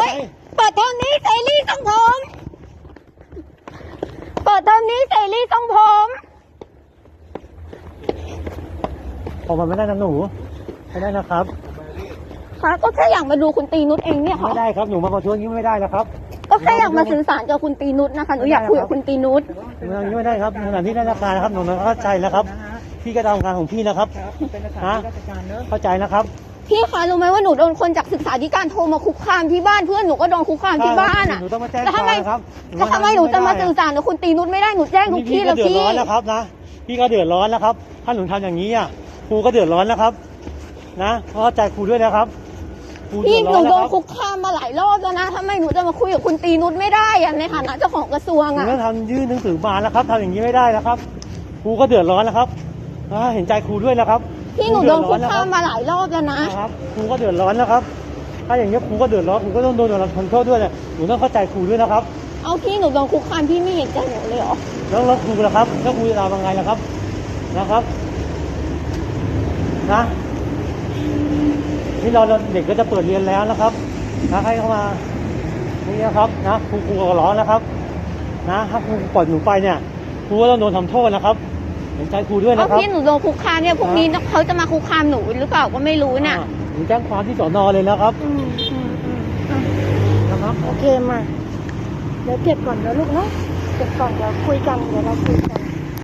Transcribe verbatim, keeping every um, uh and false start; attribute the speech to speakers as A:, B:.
A: ฮ้ยเปิดเทอมนี้เสรีทรงผมเปิดเทอมนี้เสรีทรงผม
B: ออกมาไม่ได้นะหนูไม่ได้นะครับ
A: ค่ะก็แค่อยากมาดูคุณตีนุชเองเนี่ยค่ะ
B: ไม่ได้ครับหนูมาประท้วงนี้ไม่ได้แล้วครับ
A: ก็แค่อยากมาสื่อสารกับคุณตีนุชนะคะหนูอยากคุยกับคุณตีนุช
B: อย่างนี้ไม่ได้ครับสถานที่ราชการนะครับหนูเข้าใจแล้วครับพี่ก็ทำงานของพี่นะครับฮะเข้าใจนะครับ
A: พี่คะรู้ไหมว่าหนูโดนคนจากศึกษาธิการโทรมาคุกคามที่บ้านเพื่อนหนูก็โดนคุกคามที่บ้านอ่ะแล้วทำไมแล้วทำไมหนูจะมาสื่อสารกับคุณตีนุชไม่ได้หนูแจ้งทุกที่แล้วพี่
B: พี่ก็เดือดร้อนแล้วครับนะพี่ก็เดือดร้อนแล้วครับถ้าหนูทำอย่างนี้อ่ะครูก็เดือดร้อนแล้วครับนะเข้าใจครูด้วยนะครับ
A: พี่หนูโดนคุกคามมาหลายรอบแล้วนะทำไมหนูจะมาคุยกับคุณตีนุชไม่ได้อะในฐานะเจ้าของกระทรวงอะ
B: หนูทำยื่นหนังสือมาแล้วครับทำอย่างนี้ไม่ได้แล้วครับครูก็เดือดร้อนแล้วครับเห็นใจครูด้วยนะครับ
A: พี่หนูโดนคุกคามมาหลายรอบแล้วนะครับ
B: ครูก็เดือดร้อนแล้วครับถ้าอย่างนี้ครูก็เดือดร้อนครูก็ต้องโดนรับผลโทษด้วยหนูต้องเข้าใจครูด้วยนะครับ
A: เอาพี่หนูโดนคุกคามพี่ไม่เห็นใจหนูเลยเหรอ
B: แล้วแล้วครูล่ะครับแล้วครูจะทำยังไงล่ะครับนะครับนะนี่เราเด็กก็จะเปิดเรียนแล้วนะครับนะให้เข้ามานี่นะครับนะครูครูก็ร้อนนะครับนะถ้าครูปล่อยหนูไปเนี่ยครูก็ต้องโดนทำโทษนะครับเห็นใจครูด้วยนะครับ
A: พี่หนูโดนคุกคามเนี่ยพวกนี้เขาจะมาคุกคามหนูหรือเปล่าก็ไม่รู้เนี่ย
B: หนูแจ้งความที่สน.เลยแล้วครับ
A: นะครับโอเคมาเดี๋ยวเก็บก่อนนะลูกเนาะเก็บก่อนเดี๋ยวคุยกันเดี๋ยวเราคุยกัน